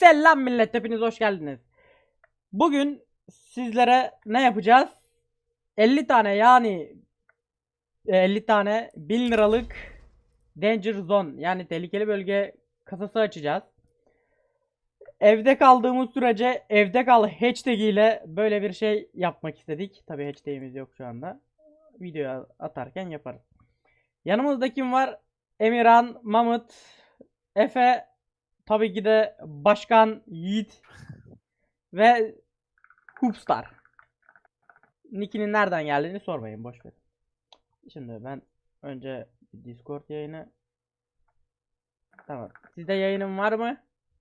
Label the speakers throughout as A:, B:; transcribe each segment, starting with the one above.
A: Selam millet, hepiniz hoş geldiniz. Bugün sizlere ne yapacağız? 50 tane yani 50 tane 1000 liralık Danger Zone yani tehlikeli bölge kasası açacağız. Evde kaldığımız sürece evde kal hashtag ile böyle bir şey yapmak istedik. Tabi hashtag'imiz yok şu anda. Video atarken yaparız. Yanımızda kim var? Emirhan, Mamut, Efe, tabii ki de Başkan Yiğit ve Hoopstar. Nick'inin nereden geldiğini sormayın, boş ver. Şimdi ben önce Discord yayını. Tamam. Sizde yayınım var mı?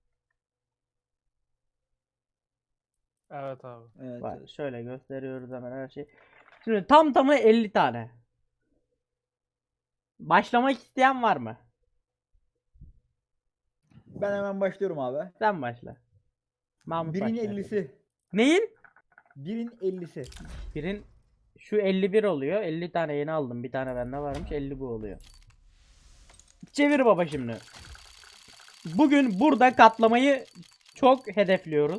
B: Evet abi.
C: Evet,
A: Var.
C: evet.
A: Şöyle gösteriyoruz hemen her şey. Şimdi tam tamı 50 tane. Başlamak isteyen var mı?
C: Ben hemen başlıyorum abi.
A: Sen başla. Mahmut
C: Birin
A: başla.
C: 50'si.
A: Neyin?
C: Birin 50'si.
A: Birin şu 51 oluyor. 50 tane yeni aldım. Bir tane bende varmış. 50 bu oluyor. Çevir baba şimdi. Bugün burada katlamayı çok hedefliyoruz.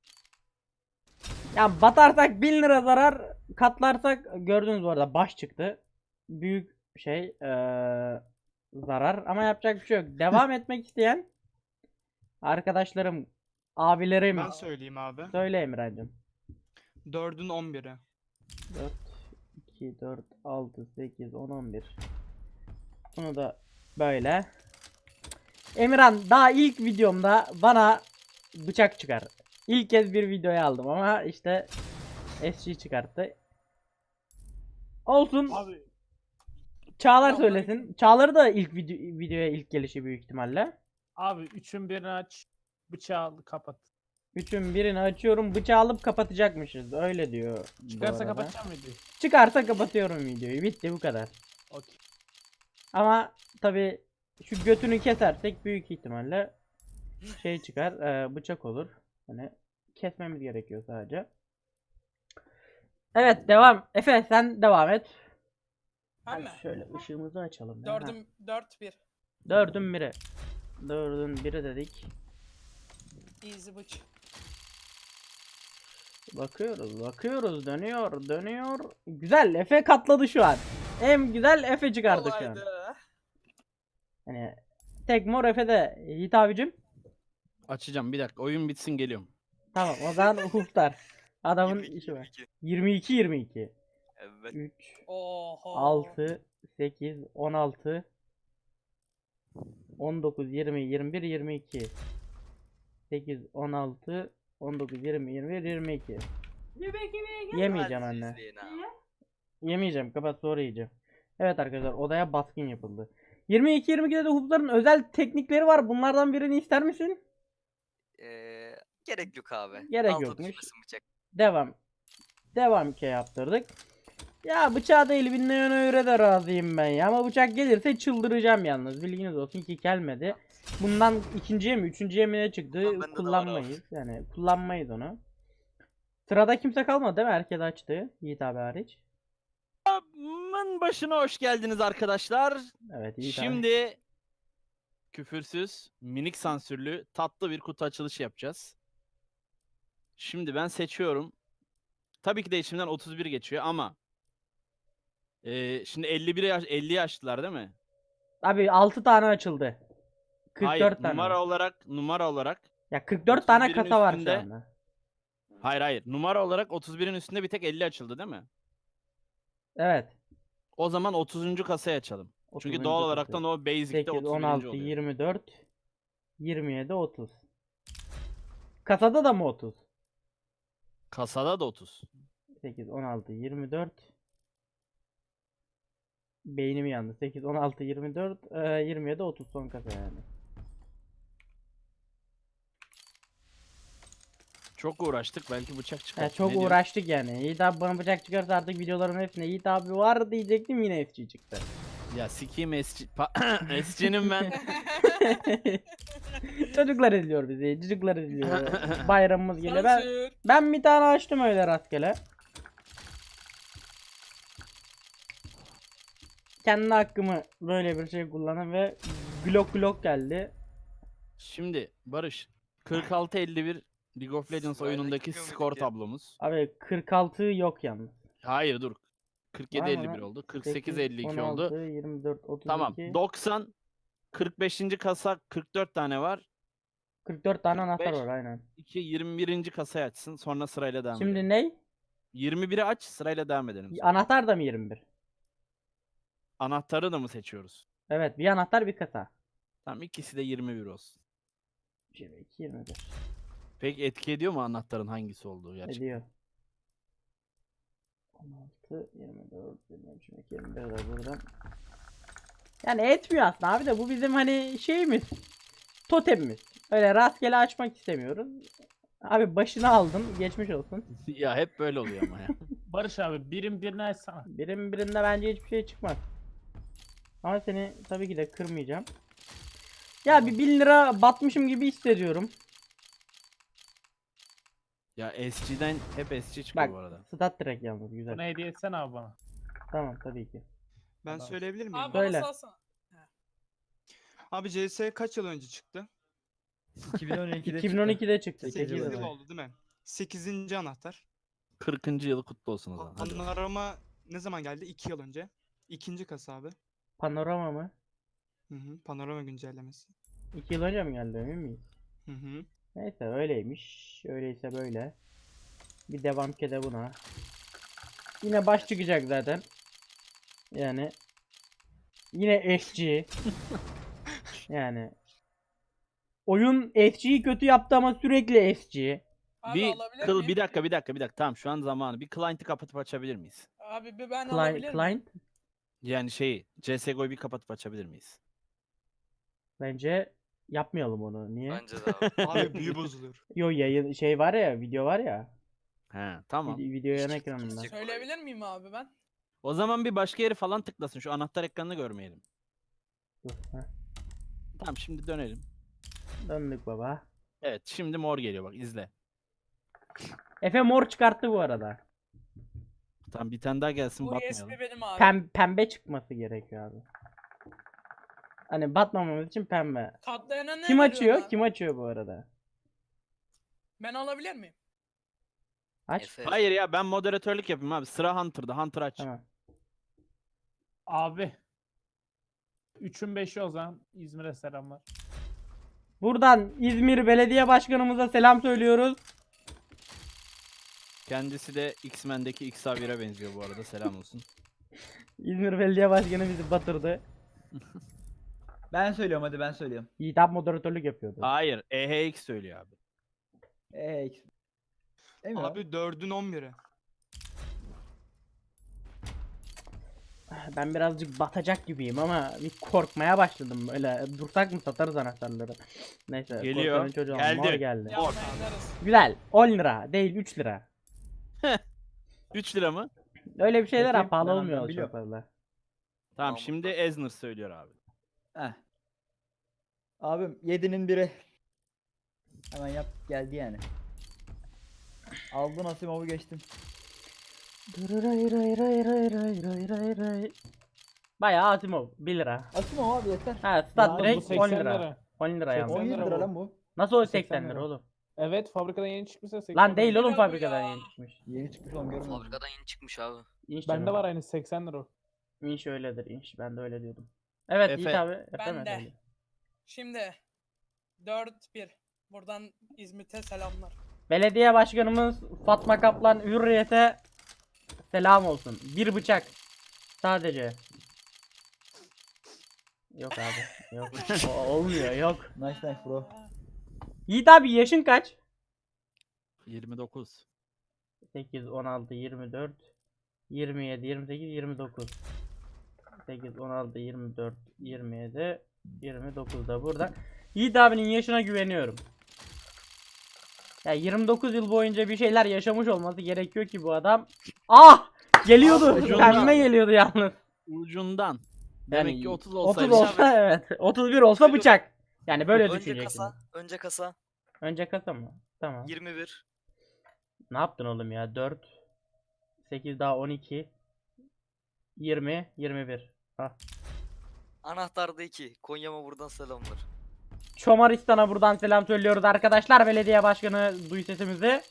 A: Yani batarsak 1000 lira zarar, katlarsak gördüğünüz bu arada baş çıktı. Büyük şey zarar ama yapacak bir şey yok. Devam etmek isteyen arkadaşlarım, abilerim,
B: Ben söyleyeyim abi.
A: söyle Emre'cim.
B: 4'ün 11'i.
A: 4 2 4 6 8 10 11. Bunu da böyle. Emirhan daha ilk videomda bana bıçak çıkar. İlk kez bir videoya aldım ama işte SG çıkarttı. Olsun.
B: Abi
A: Çağlar söylesin. Çağlar'ı da ilk videoya ilk gelişi büyük ihtimalle.
D: Abi üçün birini aç, bıçağı al, kapat.
A: Üçün birini açıyorum, bıçağı alıp kapatacakmışız. Öyle diyor. bu
D: Çıkarsa
A: arada.
D: kapatacağım videoyu.
A: Çıkarsa kapatıyorum videoyu. Bitti, bu kadar.
D: Okey.
A: Ama tabi şu götünü kesersek büyük ihtimalle şey çıkar, bıçak olur. Hani kesmemiz gerekiyor sadece. Evet, devam. Efe sen devam et.
E: Ben
A: Hadi
E: mi?
A: şöyle ışığımızı açalım. ya. Ha.
E: 4-1.
A: Dördün biri. Dördün biri dedik.
E: Easy bıç.
A: Bakıyoruz, dönüyor. Güzel, Efe katladı şu an. En güzel Efe çıkardı şu an.
E: Kolaydı.
A: Hani tek mor Efe'de. Yiğit abicim.
F: Açacağım bir dakika. Oyun bitsin geliyorum.
A: Tamam, o zaman huftar. Adamın
G: 22,
A: işi var.
G: 22.
A: 22.
G: Evet.
A: 3
E: Oho.
A: 6 8 16 19 20 21 22 8 16 19 20 21 22. Yemeyeceğim
G: Hadi
A: anne.
G: izleyin abi.
A: Yemeyeceğim. Kapat, sonra yiyeceğim. Evet arkadaşlar, odaya baskın yapıldı. 22-22'de de hupların özel teknikleri var. Bunlardan birini ister misin?
G: Gerek yok abi.
A: Gerek
G: Altı
A: yokmuş.
G: düşmesin bıçak.
A: Devam. Devam ki yaptırdık. Ya bıçağı değil, bir neonöre de razıyım ben ya. Ama bıçak gelirse çıldıracağım yalnız. Bilginiz olsun ki gelmedi. Bundan ikinciye mi üçüncüye mi ne çıktı
G: Tamam, bende de var
A: kullanmayız. Yani kullanmayız onu. Sırada kimse kalmadı değil mi? Herkes açtı. Yiğit abi hariç.
F: Aman başına hoş geldiniz arkadaşlar.
A: Evet, Yiğit abi.
F: Şimdi küfürsüz, minik sansürlü, tatlı bir kutu açılışı yapacağız. Şimdi ben seçiyorum. Tabii ki de içimden 31 geçiyor ama şimdi 50 yaşlılar değil mi?
A: Abi 6 tane açıldı. 44
F: Hayır,
A: tane.
F: numara olarak
A: Ya 44 tane
F: 31'in
A: kasa var şu
F: üstünde-
A: anda.
F: hayır, numara olarak 31'in üstünde bir tek 50 açıldı değil mi?
A: Evet.
F: O zaman 30. kasayı açalım. Çünkü
A: 30.
F: doğal olarak
A: kasa.
F: da o basic'te
A: 8,
F: 31.
A: 16,
F: oluyor.
A: 24, 27, 30. Kasada da mı 30?
F: Kasada da 30.
A: 8, 16, 24. Beynim yandı. 8, 16, 24, 27, 30 son kasa yani.
F: Çok uğraştık, belki bıçak çıkar.
A: Ya çok
F: Ne diyorsun?
A: uğraştık yani. Yiğit abi bana bıçak çıkarsa artık videoların hepsine Yiğit abi var diyecektim, yine FC çıktı.
F: Ya sikiyim SC'nin ben.
A: Çocuklar izliyor bizi. Çocuklar izliyor. Bayramımız geliyor.
E: Sansür.
A: Ben bir tane açtım öyle rastgele. Kendi hakkımı böyle bir şey kullanım ve Glock geldi.
F: Şimdi Barış, 46-51 League of Legends
G: Sırayla
F: oyunundaki
G: gitmiyor muyduk
F: skor
G: ya?
F: tablomuz.
A: Abi 46 yok yalnız.
F: Hayır dur.
A: Var mı
F: 47-51
A: lan?
F: oldu.
A: 8,
F: 48-52 oldu.
A: 16, 24, 32.
F: Tamam. 90 45. kasa 44 tane var.
A: 44 tane anahtar
F: 45.
A: var aynen.
F: 2 21. kasayı açsın. Sonra sırayla devam
A: Şimdi
F: edelim.
A: ne?
F: 21'i aç, sırayla devam edelim. sonra.
A: Anahtar da mı 21?
F: Anahtarı da mı seçiyoruz?
A: Evet, bir anahtar bir kasa.
F: Tamam, ikisi de 21 olsun.
A: 22, 21.
F: Peki etki ediyor mu anahtarın hangisi olduğu gerçekten?
A: Ediyor. 16, 24, 23, 22, 21 de buradan. Yani etmiyor aslında abi de bu bizim hani şeyimiz. Totemimiz. Öyle rastgele açmak istemiyoruz. Abi başını aldım. Geçmiş olsun.
F: Ya hep böyle oluyor ama ya.
D: Barış abi birim birini açsana.
A: Birinde bence hiçbir şey çıkmaz. Ama seni tabii ki de kırmayacağım. Ya bir 1000 lira batmışım gibi hissediyorum.
F: Ya SG'den hep SG çıkıyor
A: Bak
F: bu arada.
A: stat direkt yalnız güzel.
D: Bunu hediye etsene abi bana.
A: Tamam tabii ki.
B: Ben
D: Adam.
B: söyleyebilir miyim?
E: Abi
A: Söyle.
E: bana salsana.
B: Abi CS kaç yıl önce çıktı?
C: 2012'de
A: 2012'de çıktı.
C: 8
B: 8
A: 8
C: yıl
B: yıl
A: yıl.
B: oldu değil mi? 8. anahtar.
F: 40. yılı kutlu olsun o zaman. Hadi.
B: Panorama ne zaman geldi? 2 yıl önce. İkinci kasa abi.
A: Panorama mı?
B: Hı hı. Panorama güncellemesi.
A: 2 yıl önce mi geldi emin miyiz?
B: Hı hı.
A: Neyse öyleymiş. Öyleyse böyle. Bir devam ki de buna. Yine baş çıkacak zaten. Yani. Yine SG. Yani. Oyun SG'yi kötü yaptı ama sürekli SG.
E: Abi
F: Bir
E: alabilir
F: kıl
E: miyim?
F: bir dakika. Tamam şu an zamanı. Bir client'i kapatıp açabilir miyiz?
E: Abi bir ben alabilir miyim?
A: Client
F: Yani şeyi CS:GO'yu bir kapatıp açabilir miyiz?
A: bence yapmayalım onu. Niye?
G: Bence de abi.
B: Abi büyü bozuluyor.
A: Yo yayın şey var ya, video var ya.
F: He tamam.
A: Video yan
G: Hiç
A: ekranında.
G: gitmeyecek.
E: Söyleyebilir miyim abi ben?
F: O zaman bir başka yeri falan tıklasın. Şu anahtar ekranını görmeyelim.
A: Dur, heh.
F: Tamam şimdi dönelim.
A: Döndük baba.
F: Evet şimdi mor geliyor bak izle.
A: Efe mor çıkarttı bu arada.
F: Tamam bir tane daha gelsin
E: Bu
F: batmayalım.
E: USB benim abi.
A: Pembe çıkması gerekiyor abi. Hani batmamamız için pembe.
E: Katlayana ne
A: Kim
E: veriyorsun
A: açıyor?
E: abi?
A: Kim açıyor bu arada?
E: Ben alabilir miyim?
A: Aç.
G: Efe.
F: Hayır ya ben moderatörlük yapayım abi. Sıra Hunter'da. Hunter aç.
A: Tamam.
D: Abi. 3'ün 5'i o zaman. İzmir'e selamlar.
A: Buradan İzmir Belediye Başkanımıza selam söylüyoruz.
F: Kendisi de X-Men'deki Xavier'e benziyor bu arada. Selam olsun.
A: İzmir Belediye Başkanı bizi batırdı.
C: Ben söylüyorum, hadi ben söylüyorum.
A: Yiğitap moderatörlük yapıyordu.
F: Hayır. EHX söylüyor abi.
C: Değil mi?
B: Abi 4'ün 11'i.
A: Ben birazcık batacak gibiyim ama bir korkmaya başladım böyle. Dursak mı satarız anahtarları. Neyse.
F: Geliyor.
A: korkanın çocuğu
F: Geldi.
A: mor geldi.
E: Ya oynarız.
A: Güzel. 10 lira değil 3 lira.
F: 3 lira mı?
A: Öyle bir şeyler
C: Bakayım,
A: ha, pahalı
C: ben
A: olmuyor çok
C: biliyorum.
A: fazla.
F: Tamam
G: Tamam,
F: şimdi Ezner söylüyor abi.
C: Heh. Abim 7'nin biri. Hemen yap, geldi yani. Aldın Asimov'u geçtin.
A: Bayağı Asimov 1 lira.
C: Asimov abi yeter.
A: Ha
C: Ya,
A: stat
C: bu
A: direkt
D: 80
A: 10 lira.
D: lira.
A: 10 lira yalnız.
C: 17
D: lira
C: lira
D: bu.
C: lan bu.
A: Nasıl o
C: 80
A: 80 lira
C: lira.
A: oğlum?
D: Evet fabrikadan yeni çıkmışsa 80
A: Lan değil
D: lira.
A: oğlum
E: lira bu
A: fabrikadan
E: ya.
A: yeni çıkmış.
C: Yeni çıkmış oğlum, görmedim.
G: Fabrikadan yeni çıkmış abi.
A: İnş
D: Bende
A: canım.
D: var aynı 80 lira o.
A: İnş öyledir inş. Ben de öyle diyordum. Evet
F: Efe.
A: Yiğit abi. Efe
E: Ben
A: mi
E: de.
A: söyledi?
E: Şimdi 4-1. Buradan İzmit'e selamlar.
A: Belediye başkanımız Fatma Kaplan Hürriyet'e selam olsun. Bir bıçak. Sadece. Yok abi. Yok. Olmuyor yok.
C: Nice nice bro.
A: Yiğit abi yaşın kaç?
F: 29.
A: 8, 16, 24, 27, 28, 29. 8, 16, 24, 27, 29 da burada. Yiğit abinin yaşına güveniyorum. Ya 29 yıl boyunca bir şeyler yaşamış olması gerekiyor ki bu adam. Ah! Geliyordu.
F: Ucundan.
A: Pembe geliyordu yalnız.
F: Ucundan. Demek
A: Yani
F: ki 30
A: 30
F: olsaydı.
A: olsa evet. 31 olsa bıçak. Yani böyle
G: Önce
A: düşüneceksin.
G: kasa. Önce kasa.
A: Önce kasa mı? Tamam.
G: 21.
A: Ne yaptın oğlum ya? 4 8 daha 12 20 21. Ah.
G: Anahtarda 2. Konya'ma buradan selamlar.
A: Çomaristan'a buradan selam söylüyoruz arkadaşlar. Belediye başkanı duy sesimizi.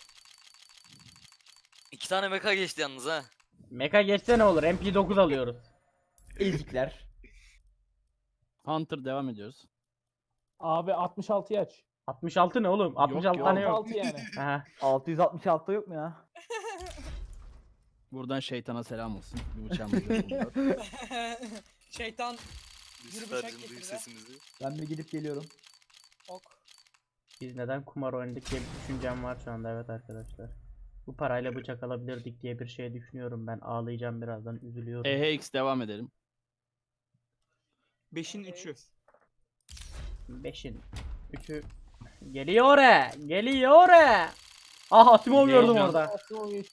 G: 2 tane meka geçti yalnız ha.
A: Meka geçse ne olur? MP9 alıyoruz.
C: Ezikler.
F: Hunter devam ediyoruz.
D: Abi 66'yı aç.
A: 66 ne oğlum? 66
F: yok.
A: tane yok.
D: 66 yani.
A: Aha.
C: 666 yok mu ya?
F: Buradan şeytana selam olsun. Bir bıçağımız yok.
E: Şeytan
G: Lucifer'cim
E: bıçak
G: duy
E: getirdi.
G: sesimizi.
C: Ben bir gidip geliyorum.
E: ok.
A: Biz neden kumar oynadık diye bir düşüncem var şu anda, evet arkadaşlar. Bu parayla bıçak alabilirdik diye bir şey düşünüyorum ben. Ağlayacağım birazdan, üzülüyorum.
F: EHX devam edelim.
B: 5'in 3'ü.
A: 5'in 3'ü geliyor oraya. Geliyor oraya. Ah, Asimov gördüm
F: Heyecan.
A: orada.
D: Aslında o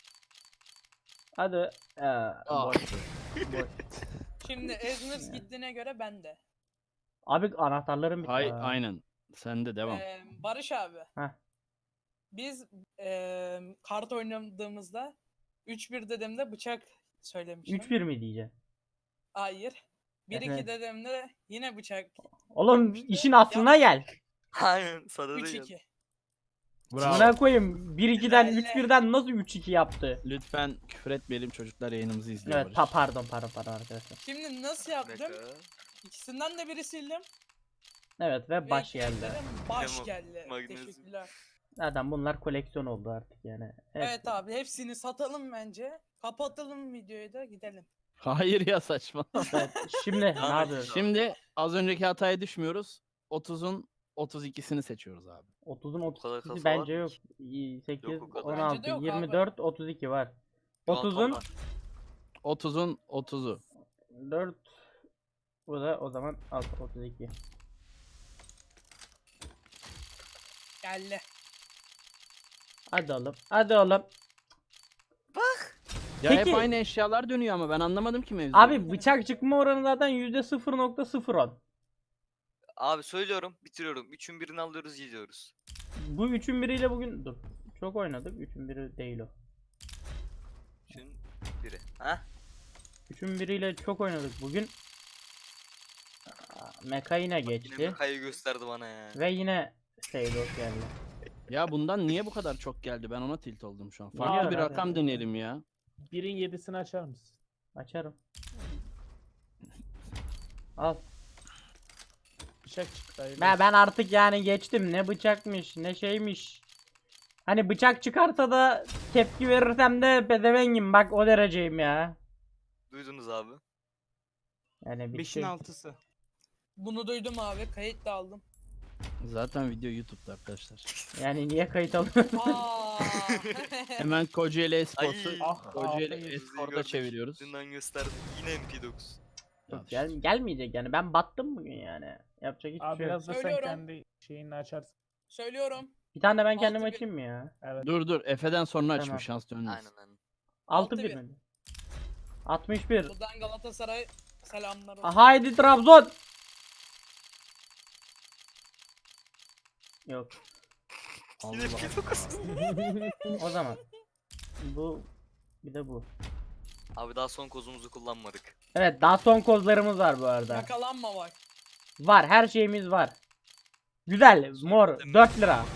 A: Hadi. Boş. Boş.
E: Şimdi Ezmir gittiğine göre ben de.
A: Abi anahtarlarım bitti.
F: Hay
A: ha.
F: aynen. Sen de devam.
E: Barış abi.
A: Heh.
E: Biz kart oynadığımızda 3-1 dedemde bıçak söylemiştim.
A: 3-1 mi diyeceksin?
E: Hayır. 1-2
A: Evet.
E: dedemde yine bıçak.
A: Oğlum işin aslına gel.
G: Aynen sana da
E: 3-2.
F: Bravo.
A: Buna koyayım. 1-2'den
E: Helal.
A: 3-1'den nasıl 3-2 yaptı?
F: Lütfen küfür etmeyelim, çocuklar yayınımızı izliyor.
A: Evet,
F: Barış.
A: pardon arkadaşlar.
E: Şimdi nasıl yaptım?
G: Meka.
E: İkisinden de biri sildim.
A: Evet ve
E: ve
A: baş geldi.
E: dedim Baş
G: Tamam,
E: geldi.
G: magnezyum.
E: Teşekkürler.
A: Zaten bunlar koleksiyon oldu artık yani.
E: Evet abi hepsini satalım bence. Kapatalım videoyu da gidelim.
F: Hayır ya, saçma.
A: Evet, şimdi ne
G: Tamam,
A: yapıyoruz?
F: Şimdi az önceki hataya düşmüyoruz. 30'un 32'sini seçiyoruz abi.
A: 30'un
G: kadar
A: 32'si
G: kafa
A: bence
G: var mı
A: yok.
G: ki?
A: 8,
G: Yok o kadar.
A: 16,
E: Bence de yok abi.
A: 24, 32 var.
G: Şu an tam
A: 30'un
G: var.
F: 30'un 30'u.
A: 4, bu da o zaman 32.
E: Geldi.
A: Hadi oğlum. Hadi oğlum.
F: Ya
A: Peki.
F: hep aynı eşyalar dönüyor ama ben anlamadım ki mevzuyu.
A: Abi bıçak çıkma oranı zaten %0.01.
G: Abi söylüyorum bitiriyorum. 3'ün birini alıyoruz gidiyoruz.
A: Bu 3'ün biriyle bugün dur. Çok oynadık. 3'ün biri değil o.
G: 3'ün biri. Ha?
A: 3'ün biriyle çok oynadık bugün. Meka yine
G: Yine
A: geçti.
G: Meka'yı gösterdi bana ya.
A: Ve yine Seydos geldi.
F: Ya bundan niye bu kadar çok geldi? Ben ona tilt oldum şu an.
A: Biliyorum
F: Farklı bir
A: abi.
F: rakam deneyelim ya.
D: 1'in 7'sini açar mısın?
A: Açarım. Al.
D: Bıçak çıktı. hayırlı
A: Ben artık yani geçtim. Ne bıçakmış, ne şeymiş. Hani bıçak çıkarsa da tepki verirsem de pedevengim, bak o dereceyim ya.
G: Duydunuz abi.
A: Yani bitti.
B: 5'in 6'sı.
E: Bunu duydum abi. Kayıt da aldım.
F: Zaten video YouTube'da arkadaşlar.
A: Yani niye kayıt alıyorsun?
E: Aa.
F: Hemen Kocaeli Esports'u
G: Ay.
D: Ah,
F: Kocaeli
D: ah,
F: Esport'a
G: gördük.
F: çeviriyoruz.
G: Dünden gösterdim. Yine MP9.
F: Ya
A: Gelmeyecek yani. Ben battım bugün yani. Yapacak hiçbir
D: Abi
A: şey yok.
D: biraz da sen
E: Söylüyorum.
D: kendi şeyini açarsın.
E: Söylüyorum.
A: Bir tane de ben kendim
E: 6-1.
A: açayım mı ya?
D: Evet.
F: Dur Efe'den sonra
A: Tamam.
F: açmış, şans dönmez.
G: Aynen aynen.
A: 6-1
E: 6-1.
A: mi? 61.
E: Buradan Galatasaray selamlar olsun.
A: Haydi Trabzon. Yok.
G: Yine
F: Allah.
G: MP9.
A: O zaman. Bu. Bir de bu.
G: Abi daha son kozumuzu kullanmadık.
A: Evet, daha son kozlarımız var bu arada.
E: Yakalanma bak.
A: Var, her şeyimiz var. Güzel, mor, 4 lira.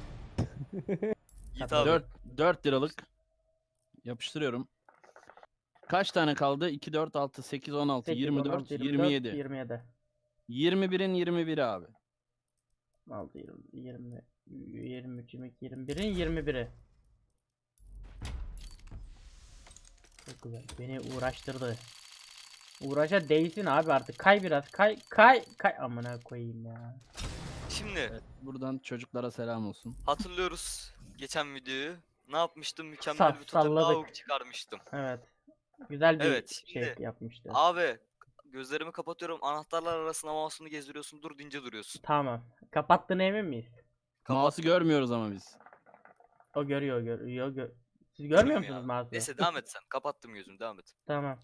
G: Yiğit abi.
F: 4 liralık. Yapıştırıyorum. Kaç tane kaldı? 2, 4, 6, 8, 16,
A: 8,
F: 24,
A: 16,
F: 27.
A: 27.
F: 21'in 21'i abi.
A: 6, 20, 23, 22, 21'in 21'i. Çok güzel. Beni uğraştırdı. Uğraşa değsin abi artık. Kay biraz. Kay. Amına koyayım ya.
G: Şimdi
F: Evet, buradan çocuklara selam olsun.
G: hatırlıyoruz geçen videoyu. Ne yapmıştım? Mükemmel bir totem
A: Salladık.
G: avuk çıkarmıştım.
A: Evet. Güzel bir
G: Evet,
A: şey
G: şimdi-
A: yapmıştı.
G: Abi gözlerimi kapatıyorum. Anahtarlar arasında mouse'unu gezdiriyorsun. Dur deyince duruyorsun.
A: Tamam. Kapattığına emin miyiz?
F: Mouse'u görmüyoruz ama biz.
A: O görüyor. Siz görmüyor
G: Görmüyor
A: musunuz
G: ya.
A: mouse'u?
G: Neyse devam et sen. Kapattım gözümü. Devam et.
A: Tamam.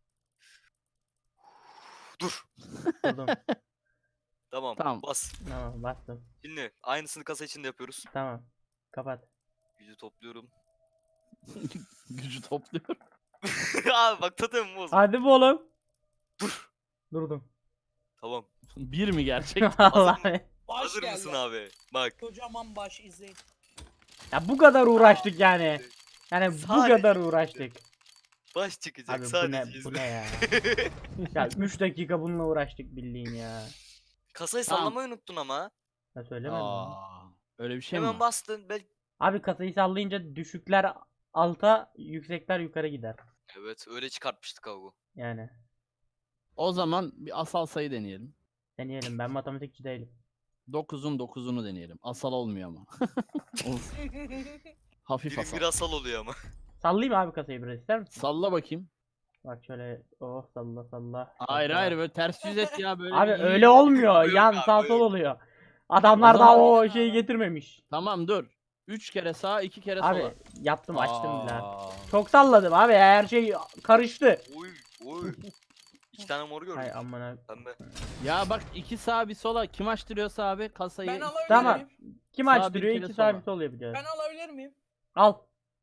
G: Dur.
A: Buldum.
G: Tamam.
F: Tamam.
G: Bas.
A: Tamam, bastım.
G: Şimdi aynısını kasa içinde yapıyoruz.
A: Tamam. Kapat.
G: Gücü topluyorum.
F: Gücü topluyor.
G: Abi bak totemim bozma.
A: Hadi be oğlum.
G: Dur.
A: Durdum.
G: Tamam.
F: Bir mi gerçek?
A: Vallahi.
E: Baş
G: Hazır
E: geldi.
G: mısın abi? Bak.
E: Kocaman baş izleyin.
A: Ya bu kadar uğraştık yani. Yani bu
G: Sadece
A: kadar uğraştık.
G: Baş çıkacak
A: Abi bu
G: sadece.
A: ne bu
G: izle.
A: ne ya? Ya 3 dakika bununla uğraştık bildiğin ya.
G: Kasayı
F: Tamam.
G: sallamayı unuttun ama.
A: Ya söylemedim. mi?
F: Öyle bir şey mi
G: Hemen
F: var?
G: bastın.
A: Abi kasayı sallayınca düşükler alta, yüksekler yukarı gider.
G: Evet öyle çıkartmıştık abi.
A: Yani
F: O zaman bir asal sayı deneyelim.
A: deneyelim, ben matematikçi değilim.
F: 9'un 9'unu deneyelim. Asal olmuyor ama. Of, hafif
G: Birim
F: asal.
G: bir asal oluyor ama.
A: Sallayayım abi kasayı biraz, ister misin?
F: Salla bakayım.
A: Bak şöyle, oh salla salla.
F: Hayır
A: salla.
F: hayır, böyle ters yüz et ya, böyle
A: Abi
F: bir iyi.
A: öyle olmuyor.
G: Yok
A: Yan
G: abi,
A: sağ sol
G: yok.
A: oluyor. Adamlar
F: O
A: daha
F: zaman-
A: o şeyi getirmemiş.
F: Tamam dur. 3 kere sağ 2 kere
A: Abi
F: sola.
A: yaptım, açtım bile.
F: Aa.
A: Çok salladım abi, her şey karıştı.
G: Oy oy. 2 tane mor gördüm.
A: Hay amına.
G: Pembe.
F: Ya bak 2 sağ bir sola kim açtırıyorsa abi kasayı.
E: Ben alabilir
A: Tamam.
E: miyim?
A: Kim
F: Sağ bir
A: açtırıyor?
F: kere
A: İki
F: sola.
A: sabit oluyor biliyoruz.
E: Ben alabilir miyim?
A: Al.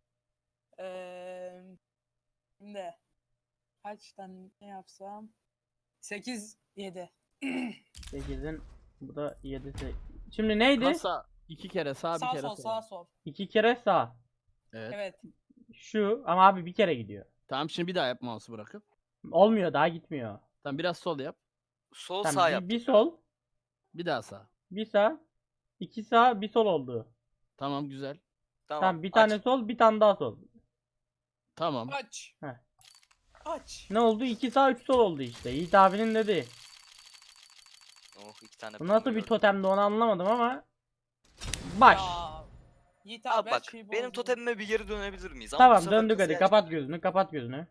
E: Şimdi kaç tane ne yapsam? 8 7.
A: 8'in bu da 7'si. Şimdi neydi?
F: Kasa 2 kere sağ bir
E: Sağ
F: kere
E: sol
F: sola.
E: sağ sol.
A: 2 kere sağ.
F: Evet.
E: Evet.
A: Şu ama abi bir kere gidiyor.
F: Tamam şimdi bir daha yap mouse'u bırakıp.
A: Olmuyor, daha gitmiyor.
F: Tamam biraz sol yap.
G: Sol
A: Tamam,
G: sağ
A: bir,
G: yaptık.
A: bir sol,
F: Bir daha sağ.
A: bir sağ, iki sağ, bir sol oldu.
F: Tamam güzel.
A: Tamam, bir
G: aç.
A: tane sol, bir tane daha sol.
F: Tamam.
E: Aç.
A: Heh.
E: Aç.
A: Ne oldu? 2 sağ 3 sol oldu işte. Yiğit abinin dediği.
G: Oh 2 tane
A: Bu
G: pembe
A: nasıl bir
G: gördüm.
A: totemdi onu anlamadım ama. Baş.
E: Ya. Yiğit
G: Abi
E: abi,
G: bak
E: her şeyi
G: benim
E: bozdun.
G: totemime bir geri dönebilir miyiz? Ama bu
A: Tamam
G: sefer
A: döndük hadi,
G: kasayı
A: kapat
G: aç.
A: gözünü, kapat gözünü.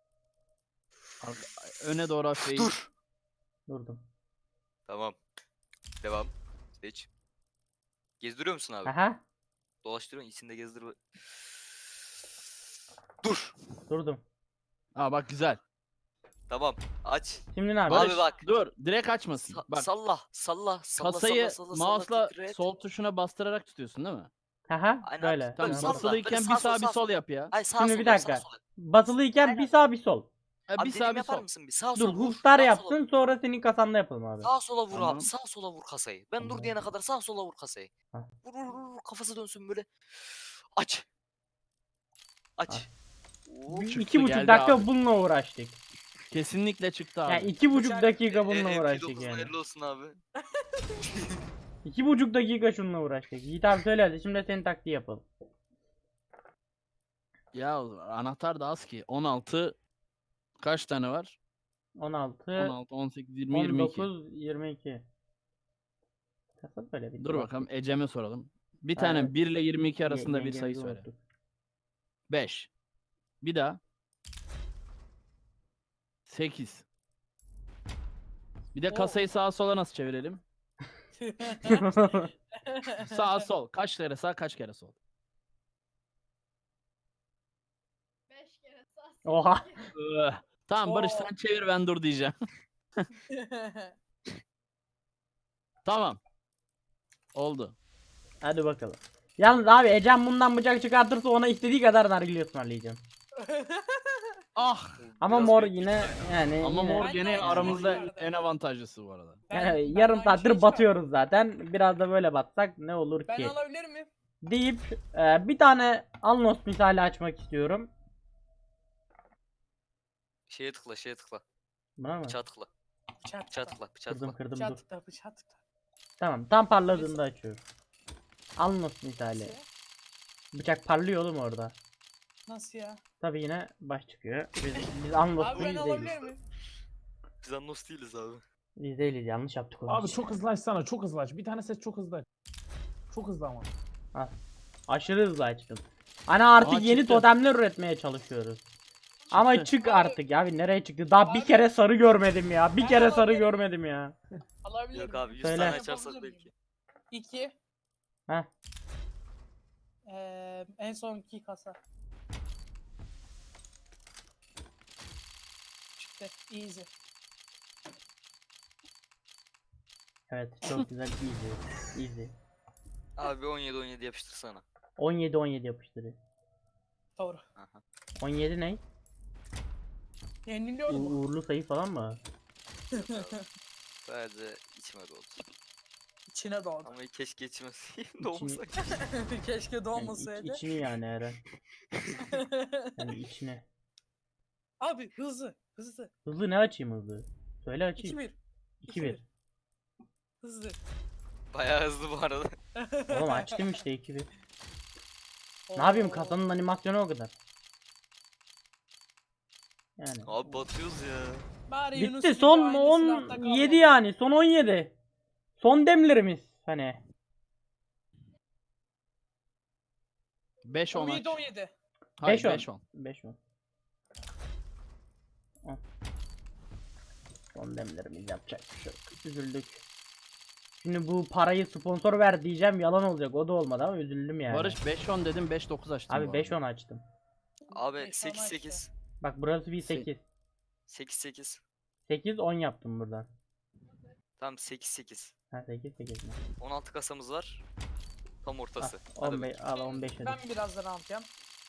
F: Öne doğru hafif.
G: Dur.
A: Durdum.
G: Tamam. Devam. Seç. Gezdiriyor musun abi?
A: Aha,
G: Dolaştırıyorsun içinde gezdir. Dur.
A: durdum.
F: Aa bak güzel.
G: Tamam. Aç.
A: Şimdi ne
G: Abi
A: yapıyoruz?
G: bak.
F: Dur direkt açmasın. Bak
G: Salla.
F: kasayı
G: Salla,
F: mouse'la
G: titret.
F: sol tuşuna bastırarak tutuyorsun değil mi?
A: Aha,
G: Aynen,
A: böyle.
G: böyle
F: Tamam
G: salla.
F: basılıyken
G: Böyle
F: bir
G: sağ sol,
F: sağ bir
G: sağ
F: sol
G: sol.
F: yap ya.
G: Ay sağ
A: Şimdi
G: sol
A: bir
G: yap,
A: dakika.
G: sağ sol yap.
A: Basılıyken
G: Aynen.
A: bir sağ bir sol.
F: Ha,
G: Abi
F: bir
G: dediğimi
F: sağ bir
G: yapar
F: sol.
G: mısın? Bir sağ
A: Dur,
G: sola vur.
A: hustar
G: sağ
A: yapsın,
G: sola-
A: sonra senin kasanda yapalım abi.
G: Sağ sola vur
F: Tamam.
G: abi. Sağ sola vur kasayı. Ben dur
A: Tamam.
G: diyene kadar sağ sola vur kasayı.
A: Ha.
G: Vur, kafası dönsün böyle. Aç. Aç. Oo,
A: Bir-
F: çıktı,
A: 2,5
F: geldi
A: dakika
F: abi.
A: bununla uğraştık.
F: Kesinlikle çıktı abi.
A: Yani 2,5
E: Uçak-
A: dakika bununla
G: MP9'un
A: uğraştık yani.
G: hayırlı olsun abi.
A: 2,5 dakika şununla uğraştık. Yiğit abi söyle hadi, şimdi senin taktiği yapalım.
F: Ya anahtar da az ki. 16 kaç tane var?
A: 16,
F: 16, 18, 20, 22.
A: 19, 22. Kasa böyle bir
F: Dur bakalım Ecem'e soralım. Bir tane
A: Evet.
F: 1 ile 22 arasında bir
A: Yengemizi
F: sayı söyle.
A: unuttuk.
F: 5. Bir daha. 8. Bir de
E: Oo.
F: kasayı sağa sola nasıl çevirelim? Sağ sol. Kaç kere sağ kaç kere sol?
H: 5 kere sağ.
A: Oha.
F: Tamam Barış
E: Oo.
F: sen çevir ben dur diyeceğim. Tamam. Oldu.
A: Hadi bakalım. Yalnız abi Ecem bundan bıçak çıkartırsa ona istediği kadar nargile ısmarlayacağım.
F: Ah.
A: Ama
G: Biraz
A: mor
G: büyük
A: yine yani
F: Ama
A: yine,
F: mor
E: Ben de
F: gene
E: aynı
F: aramızda
E: şeyi
F: en avantajlısı bu arada.
A: yani
E: Ben
A: yarım
E: aynı
A: saattir
E: şeyi
A: batıyoruz zaten. Biraz da böyle batsak ne olur
E: Ben
A: ki?
E: alabilir miyim?
A: Deyip bir tane Alnos misali açmak istiyorum.
G: Şeye tıkla.
A: Buna mı?
G: Bıçağa tıkla.
E: Bıçak
G: Bıçağa
E: tıkla.
G: tıkla. Bıçağa
A: Kırdım
G: tıkla.
A: kırdım
E: Bıçak
A: dur.
E: tıkla. Bıçak tıkla.
A: Tamam, tam parladığında açıyorum. Alnos misali.
E: Nasıl ya?
A: Bıçak parlıyor oğlum orada.
E: Nasıl ya?
A: Tabi yine baş çıkıyor. Biz Alnos'u
E: Abi ben
A: biz
E: alabilir
A: değiliz.
E: miyim?
G: Biz Annos değiliz abi.
A: Biz değiliz, yanlış yaptık onu.
D: Abi çok hızlı açsana, çok hızlı aç. Bir tane set çok hızlı aç. Çok hızlı ama.
A: Aşırı hızlı açtım. Hani artık
F: Aa,
A: yeni
F: çıktı.
A: totemler üretmeye çalışıyoruz. Ama
F: Çıktı.
A: çık artık ya, abi nereye çıktı? Daha bir
E: Abi-
A: kere sarı görmedim ya. Bir
E: Ben
A: kere sarı
E: alabilirim.
A: görmedim ya.
E: Alabilir
G: Yok
E: miyim?
G: abi 100
A: Söyle.
G: tane açarsak
E: Yapabilir
G: belki.
E: 2.
A: Heh.
E: En son 2 kasa. Çıktı. Easy.
A: Evet, çok güzel, easy. Easy.
G: Abi 17 yapıştırsana.
A: 17 yapıştırıyor.
E: Doğru.
G: Aha.
A: 17 ne?
E: Yeniliyorum.
A: Uğurlu sayı falan mı?
G: Sadece içime doldu.
E: İçine doğdu.
G: Ama keşke geçmeseydim. Doğmasak.
E: Keşke
A: Yani
E: doğmasaydı.
A: içini yani Eren. Yani içine.
E: Abi hızlı. Hızlı.
A: Hızlı ne açayım hızlı? Söyle açayım.
E: 2-1.
A: 2-1.
E: Hızlı.
G: Bayağı hızlı bu arada.
A: Oğlum açtım işte 2-1. Ne yapayım,
E: Oo.
A: kasanın animasyonu o kadar. Yani.
G: Abi batıyoruz ya.
E: Bari Yunus
A: Bitti
E: gibi
A: son
E: aynı silahta
A: 17
E: kalmayalım.
A: yani, son 17. Son demlerimiz hani.
F: 5-10 aç.
E: 17-17.
F: Hayır
A: 5-10.
F: 5-10.
A: 5-10. Al. Son demlerimiz, yapacak bir şey yok. Üzüldük. Şimdi bu parayı sponsor ver diyeceğim, yalan olacak, o da olmadı ama üzüldüm yani.
F: Barış 5-10 dedim 5-9 açtım.
A: Abi
F: bu arada.
A: 5-10 açtım.
G: Abi
E: Beş, on
G: 8-8.
A: Bak burası bir 8.
G: 8-8.
A: 8-10 yaptım buradan.
G: Tamam 8-8.
A: Ha 8 mi?
G: 16 kasamız var. Tam
A: Al,
G: ortası. Hadi
A: 15 al 15 hadi.
E: Ben birazdan alacağım.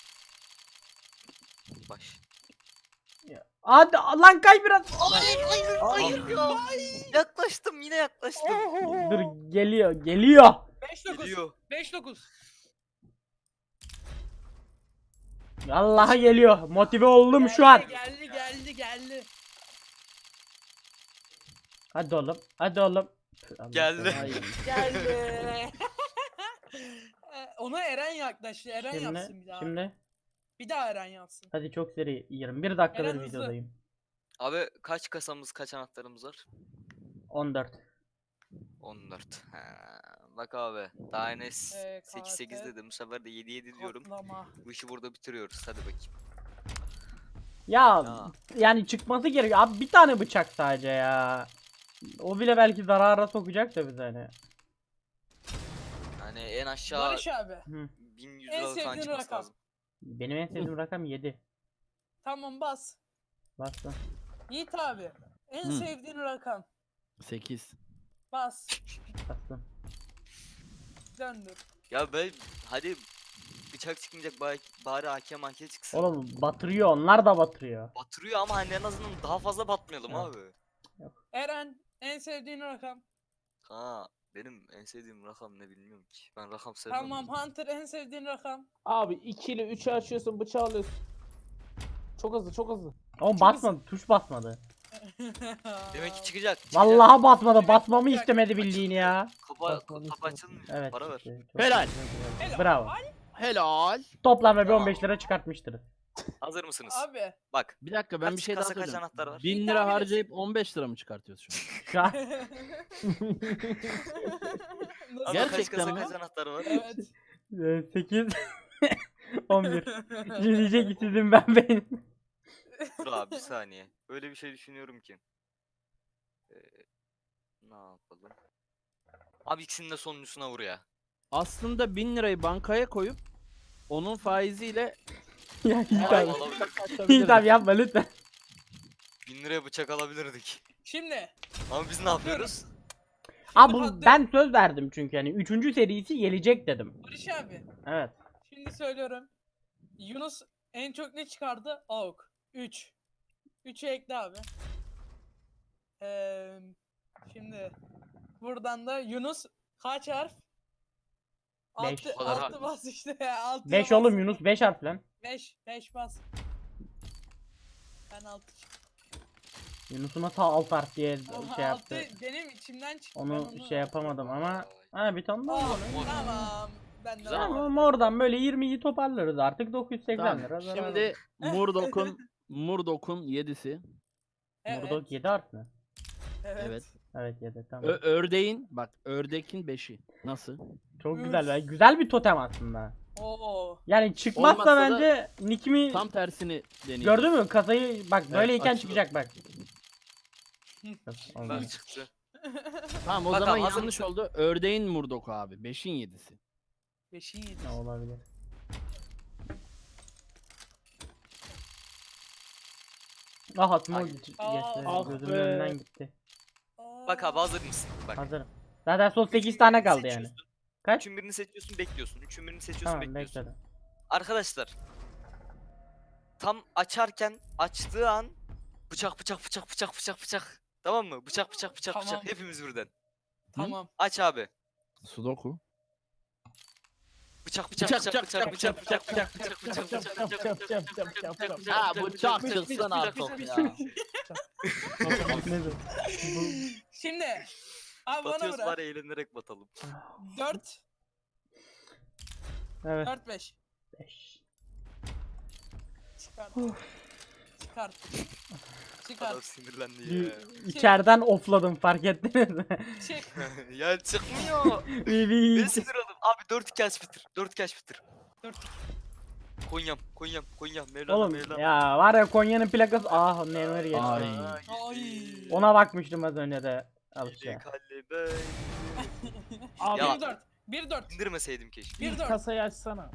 G: baş.
A: Hadi lan kay biraz.
G: Hayır ya. Yaklaştım yine yaklaştım.
A: Dur geliyor.
E: 5-9.
G: Geliyor.
E: 5-9.
A: Vallahi geliyor. Motive oldum şu an.
E: Geldi.
A: Hadi oğlum. Hadi oğlum. Allah
G: Geldi.
A: sana iyiyim.
E: Geldi. Ona Eren yaklaştı. Eren yapsın
A: Şimdi
E: bir daha. Bir daha Eren yapsın.
A: hadi çok seri 21 dakikadır
E: Eren hızlı.
A: videodayım.
G: Abi kaç kasamız kaç anahtarımız var?
A: 14.
G: 14. Ha, bak abi daha Enes
E: KT
G: 8-8 dedim, bu sefer de 7-7 diyorum.
E: Kodlama.
G: Bu işi burada bitiriyoruz, hadi bakayım.
A: Ya
G: Ya.
A: yani çıkması gerekiyor. Abi bir tane bıçak sadece ya. O bile belki zarara sokacak da bize hani.
G: Hani en aşağı
E: Barış abi.
A: Hı.
G: 1100
E: En
G: lira falan
E: sevdiğin
G: çıkması
E: rakam.
G: lazım.
A: Benim en sevdiğim rakam 7.
E: Tamam bas.
A: Bastım.
E: Yiğit abi. En
F: Hı.
E: sevdiğin rakam.
F: 8.
E: Bas.
A: Bastım.
E: Döndür.
G: Ya ben hadi bıçak çıkmayacak, bari AK çıksın.
A: Oğlum batırıyor, onlar da batırıyor.
G: Batırıyor ama hani en azından daha fazla batmayalım
A: Evet.
G: abi.
E: Eren en sevdiğin rakam.
G: Ha, benim en sevdiğim rakam ne bilmiyorum ki. Ben rakam sevmem.
E: Tamam Hunter en sevdiğin rakam.
D: Abi 2 ile 3'ü açıyorsun, bıçağı alıyorsun. Çok hızlı.
A: Oğlum basmadı, tuş basmadı.
G: Demek ki çıkacak.
A: Vallahi basmadı,
E: Demek
A: basmamı
E: çıkacak.
A: istemedi bildiğin ya.
G: Kapı açılmıyor.
A: Evet.
G: Para ver.
A: işte, çok
F: Helal.
A: güzel. Bravo.
F: Helal.
A: Toplamda bir 15 lira çıkartmıştır.
G: Hazır mısınız?
E: Abi.
G: Bak.
F: Bir dakika ben
G: Kaç
F: bir şey daha
G: kasa, kaç
F: söyleyeceğim.
G: anahtar var?
F: 1000
E: Bir
F: lira
E: tahmin
F: harcayıp 15 lira mı çıkartıyoruz şu an?
A: Şu an
E: Nasıl?
G: Ama kaç
F: Gerçekten
G: kasa
F: mi?
G: kaç anahtar var?
E: Evet.
A: 8 11. Şimdi diyecek ki sizin ben benim.
G: Dur abi bir saniye. Öyle bir şey düşünüyorum ki. Ne yapalım? Abi ikisinin de sonuncusuna vur ya.
F: Aslında 1000 lirayı bankaya koyup onun faiziyle
A: Ya Yiğit
G: Ay,
A: abi.
G: alabilirdik.
A: Yiğit abi yapma lütfen.
G: 1000 liraya bıçak alabilirdik.
E: Şimdi.
G: Ama biz ne yapıyoruz?
A: Abi
E: Hunter-
A: ben söz verdim çünkü hani 3. serisi gelecek dedim.
E: Barış abi.
A: Evet.
E: Şimdi söylüyorum. Yunus en çok ne çıkardı? AUK. 3. 3'ü ekle abi. Şimdi buradan da Yunus kaç harf?
A: Beş.
E: 6
G: O kadar
E: 6 bas işte. 6
A: 5 oğlum Yunus 5 harf lan.
E: 5 bas. Ben 6
A: Yunus'un hata alt harf diye şey yaptı.
E: benim içimden çıktı.
A: Onu
E: ben
A: şey yapamadım ama ha bir tane daha
E: Aa,
A: var.
E: tamam. Ben de
G: Güzel
A: Tamam
E: alamadım.
A: oradan böyle 20'yi toparlarız artık 980
F: Tamam.
A: lira. zarar
F: Şimdi Murdoch'un 7'si.
E: Evet.
A: Murdok 7 harf mi?
F: Evet.
A: Evet 7 tamam.
F: Ördeğin bak ördekin 5'i. Nasıl?
A: Çok
E: Üf.
A: güzel. Güzel bir totem aslında.
E: Oo.
A: Yani çıkmazsa
F: Olmazsa da
A: bence nickimi
F: Tam tersini deneyeceğiz.
A: gördün mü? Kasayı bak böyleyken
F: açıldı.
A: çıkacak bak.
G: Bak
A: Olmaz.
G: çıktı.
F: Tamam o
G: Bakalım,
F: zaman
G: hazır
F: yanlış
G: mısın?
F: oldu. Ördeğin Murdoch abi. 5'in 7'si.
E: 5'in 7.
A: Ne olabilir? Ah atma
G: Ay.
A: geçti.
E: Ah
A: Gözümün
D: be.
A: önünden gitti.
G: Bak abi hazır mısın? Bak.
A: Hazırım. Zaten son 8 tane kaldı yani.
G: Seçiyorsun.
A: Kaç?
G: Üçün birini seçiyorsun, bekliyorsun. Üçün birini seçiyorsun,
A: Tamam
G: bekliyorsun.
A: bekledim.
G: Arkadaşlar. Tam açarken açtığı an bıçak. Tamam mı? Bıçak.
E: Tamam.
G: Hepimiz birden.
E: Tamam.
G: Aç abi.
F: Sudoku.
G: Bıçak
F: Bıçak, bıçak, bıçak, bıçak, bıçak, Ha bıçak çıksın artık ya.
E: Şimdi. Abi bana
G: Batıyoruz
E: bırak.
G: bari eğlenerek batalım.
E: 4.
A: Evet.
E: 4 5.
A: 5.
E: Çıkart. Çıkart. Çıkart.
G: Adam sinirlendi ya.
A: İçeriden ofladım, fark ettiniz mi?
E: Çık.
G: Ya çıkmıyor.
A: Bir-
G: Ben sinir oldum. Abi 4-2 aç bitir. 4-2 aç bitir.
E: 4.
G: Konyam. Mevlana
A: Oğlum
G: Mevlana.
A: ya var ya, Konya'nın plakası, ah memur geçti.
F: Ay.
E: Ay.
A: Ona bakmıştım az önce de. Al işte.
D: Abi
G: Ya.
E: 1-4. 1-4.
G: İndirmeseydim keşke.
E: Bir
D: bir
E: dört.
D: kasayı açsana.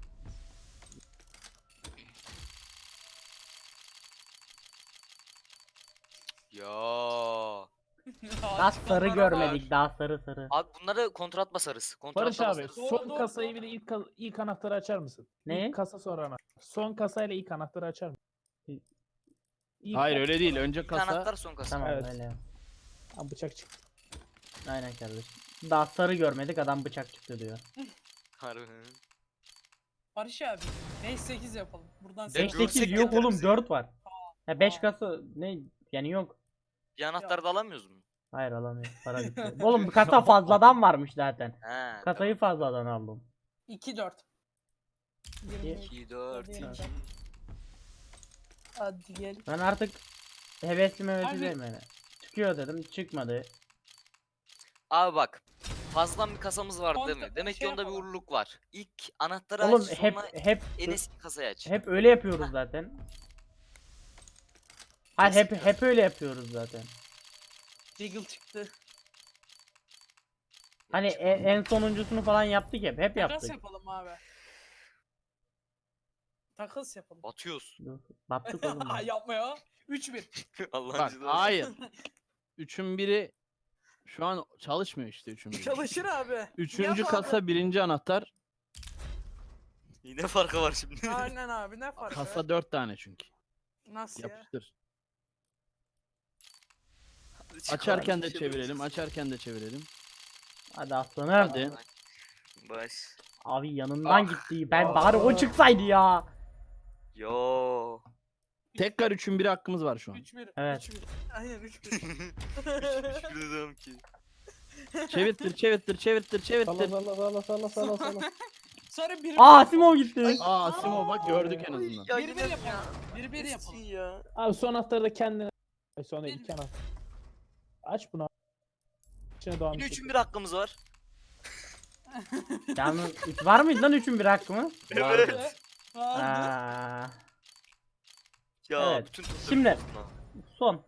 G: Ya.
A: Daha sarı görmedik, daha sarı.
G: Abi bunları kontrat basarız. Kontrat
D: Barış abi
G: basarız.
E: Doğru,
D: son
E: doğru,
D: kasayı
E: doğru.
D: bir de ilk anahtarı açar mısın?
A: Ne?
D: İlk kasa sonra anahtar. Son kasayla ilk anahtarı açar mısın?
F: Hayır öyle değil. Önce
G: Bir
F: kasa.
G: anahtar son kasa.
A: Tamam
D: Evet.
A: öyle.
D: Lan bıçak çıktı.
A: Aynen kardeşim. Daha sarı görmedik, adam bıçak çıktı diyor.
G: Harbi.
E: Barış abi. 5-8 yapalım. Buradan
G: Beş-
A: 5'teki
G: görsek
A: yok oğlum,
G: getiririz.
A: 4 var. Ha 5
E: Aa.
A: kasa ne yani, yok.
G: Bir anahtar da alamıyoruz mu?
A: Hayır alamıyorum, para bitti. Oğlum kasa fazladan varmış zaten.
G: He.
A: Kasayı fazladan aldım.
E: 2-4.
G: 2 4
E: Hadi.
G: 2.
E: Hadi gel.
A: Ben artık hevesli
E: Abi-
A: mevesi değil yani. Çıkıyor dedim, çıkmadı.
G: Abi bak. Fazladan bir kasamız var değil mi?
E: Kontra-
G: Demek ki
E: şey
G: onda bir
E: yapalım.
G: uğurluk var. İlk anahtarı
A: Oğlum
G: aç
A: hep
G: sonra
A: hep
G: en eski kasayı aç.
A: hep öyle yapıyoruz zaten. Hayır hep öyle yapıyoruz zaten.
E: Deagle çıktı.
A: Hani en sonuncusunu falan yaptık hep
E: Takas
A: yaptık.
E: yapalım abi. Takas yapalım.
G: Batıyoruz.
A: Dur, battık oğlum. ya.
E: Yapma ya. 3-1.
G: Allah'ın
F: Bak
G: cezası.
F: hayır. Üçün biri şu an çalışmıyor işte üçün biri.
E: Çalışır abi.
F: Üçüncü
E: Yap
F: kasa birinci anahtar.
G: Yine farkı var şimdi.
E: Aynen abi, ne farkı?
F: Kasa 4 tane çünkü.
E: Nasıl ya?
F: Yapıştır.
G: Hadi çıkalım,
F: Açarken de
G: bir şey
F: çevirelim.
G: yapacağız.
F: Açarken de çevirelim.
A: Hadi aslanım.
F: Hadi.
G: Baş.
A: Abi yanından
G: Ah.
A: gitti. Ben bari o çıksaydı ya.
G: Yo.
F: Tekrar üçün biri hakkımız var şu an.
E: 3-1.
A: Evet.
E: 3-1. Aynen 3-1.
G: Hiçbir dedim ki.
F: Çevirtir.
D: Salla.
E: Sonra 1-1.
A: Aa Simon gitti.
F: Aa Simo bak gördük en azından.
G: Ya
E: 1-1
G: yine
E: yapalım. 1-1 yapalım.
G: ya.
D: Abi son anahtarı da kendine. Ay sonra
E: Bir-
D: iki anahtar. Aç bunu. İçine devam
G: Yine
D: et.
G: üçün bir hakkımız var.
A: Yalnız var mıydı lan 3'ün bir hakkı mı?
G: Evet.
E: Vardı.
A: Aa,
G: Ya
A: Evet.
G: bütün topları
A: Şimdi-
G: bozdun ha.
A: son.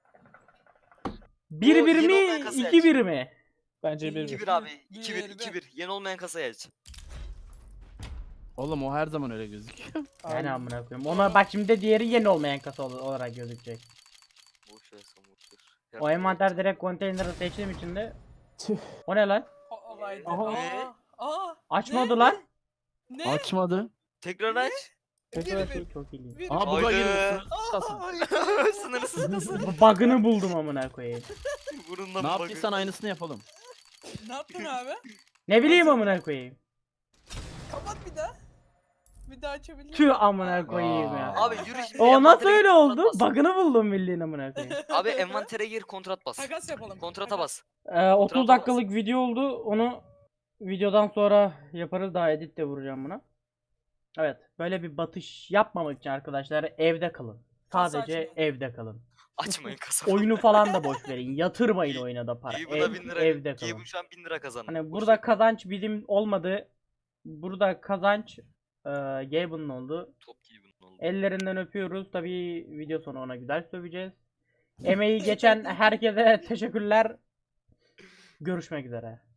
A: 1-1
G: yeni
A: mi
G: olmayan kasayı
A: 2-1 mi?
D: Bence bir
G: 2-1
D: bir.
G: abi.
E: Bir,
G: 2-1
E: bir.
G: 2-1. Yeni olmayan kasayı aç.
F: Oğlum o her zaman öyle gözüküyor.
A: Yani amına koyayım. Ona bak şimdi de diğeri yeni olmayan kasa olarak gözükecek.
G: Boş ver sen boş ver.
A: O envanter direkt konteyneri seçtiğim için de.
D: Tüh.
A: O ne lan?
E: Haydi.
D: Aha.
E: Aa.
A: Açmadı lan.
E: Ne?
F: Açmadı.
G: Tekrar aç.
D: Tekrar
E: Bir-
A: Çok iyi.
E: Bir-
F: Aha buga
G: Haydi.
F: girdi. Kasın.
G: Sınırsız kasa.
A: Bug'ını buldum amına koyayım.
G: Burundan
F: Ne yaptıysan aynısını yapalım.
E: Ne yaptın abi?
A: Ne bileyim amına koyayım.
E: Kapat bir daha. Bir daha açabilir miyim?
A: Tüh amına koyayım ya.
G: Abi yürü şimdi.
A: O nasıl
G: envantere
A: öyle
G: gir,
A: oldu?
G: kontrat bas.
A: Bug'ını buldum bildiğin amına koyayım.
G: Abi envantere gir kontrat bas.
E: Takas yapalım.
G: Kontrata
E: Takas.
G: bas.
A: 30 dakikalık video oldu. Onu videodan sonra yaparız. Daha edit de vuracağım buna. Evet. Böyle bir batış yapmamak için arkadaşlar evde kalın.
E: Kasa
A: Sadece
E: açmayın.
A: evde kalın.
G: Açmayın kasa.
A: Oyunu falan da boş verin. Yatırmayın oyuna da para.
G: Gabe'ı da 1000 lira.
A: Evde kalın.
G: Gabe'ın şu an 1000 lira kazandı.
A: Hani
G: Boş
A: burada
G: ver.
A: kazanç bizim olmadı. Burada kazanç Gabe'ın oldu.
G: Top Gabe'ın oldu.
A: Ellerinden öpüyoruz. Tabii video sonu ona güzel söveceğiz. Emeği geçen herkese teşekkürler. Görüşmek üzere.